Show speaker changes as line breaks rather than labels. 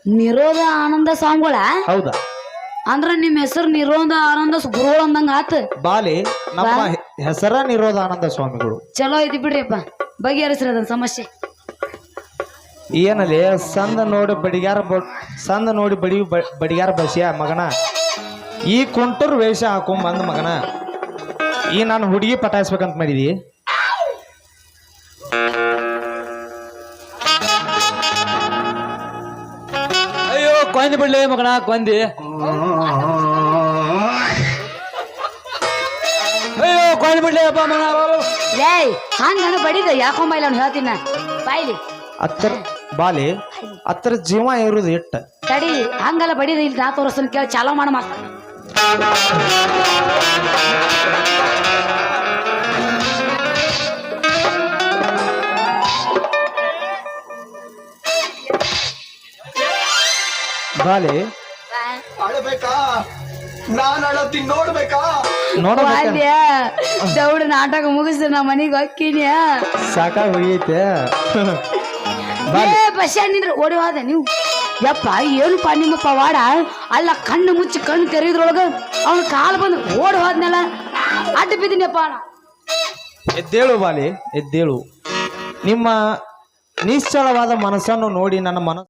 ನಿರೋಧ ಆನಂದ ಸ್ವಾಮಿಗಳ
ಹೌದಾ?
ಅಂದ್ರ ನಿಮ್ ಹೆಸರು ನಿರೋಧ ಆನಂದ ಗುರುಗಳು ಅಂದಂಗ ಆತ.
ಬಾಲಿ ನಮ್ಮ ಹೆಸರ ನಿರೋಧಾನಂದ ಸ್ವಾಮಿಗಳು.
ಚಲೋ ಐತಿ ಬಿಡ್ರಿಪ್ಪ, ಬಗೆಹರಿಸ್ರಿ ಅದನ್ನ ಸಮಸ್ಯೆ.
ಏನಲ್ಲಿ ಸಂದ ನೋಡಿ ಬಡಿಗಾರ ಬಸಿಯ ಮಗನ, ಈ ಕುಂಟರ್ ವೇಷ ಹಾಕೊಂಡ್ ಬಂದ ಮಗನ, ಈ ನಾನು ಹುಡುಗಿ ಪಟಾಯಿಸ್ಬೇಕಂತ ಮಾಡಿದಿ.
ಅಯ್ಯೋ ಕೊಂದಿ ಬಿಡ್ಲಿ ಮಗನ, ಕೊಂದಿ. ಅಯ್ಯೋ ಕೊಂದಿ ಬಿಡ್ಲಿ ಅಪ್ಪ ಮಗನ.
ಏಯ್ ಹಂಗ ಬಡಿದ ಯಾಕೊಂಬೈಲ ಅವ್ನು ಹೇಳ್ತೀನಿ ಬಾಯ್ಲಿ.
ಹತ್ತರ ಬಾಲಿ ಹತ್ತರ ಜೀವ ಇರುದು ಇಟ್ಟ
ತಡಿ, ಹಂಗಲ್ಲ ಬಡಿದ ಇಲ್ಲಿ ನಾ ತೋರಿಸ್ತಾನೆ ಕೇಳಿ, ಚಾಲೋ ಮಾಡ ಮಾತ.
ಬಾಲಿ
ಅಳಬೇಕಾ? ನಾನ್ ಅಳತ್ತೀನಿ ನೋಡ್ಬೇಕಾ?
ಬಾಲ್ಯ ದೌಡ್ ನಾಟಕ ಮುಗಿಸ್ ನಾ ಮನಿಗೆ ಹೋಗ್ತೀನಿ.
ಸಾಕಾಗಿ ಹೋಗೈತೆ.
ಏ ಬಸ್ ನಿಂದ್ರೆ ಓಡಿ ಹೋದೆ ನೀವು. ಯಪ್ಪ ಏನಪ್ಪ ನಿಮ್ಮ ಪವಾಡ? ಅಲ್ಲ ಕಣ್ಣು ಮುಚ್ಚಿ ಕಣ್ಣು ತೆರೆದ್ರೊಳಗ ಅವನ ಕಾಲು ಬಂದು ಓಡಿ ಹೋದ್ನಲ್ಲ, ಅಡ್ಡ ಬಿದ್ದೀನಿಯಪ್ಪ.
ಎದ್ದೇಳು ಬಾಲಿ, ಎದ್ದೇಳು. ನಿಮ್ಮ ನಿಶ್ಚಲವಾದ ಮನಸ್ಸನ್ನು ನೋಡಿ ನನ್ನ ಮನಸ್ಸು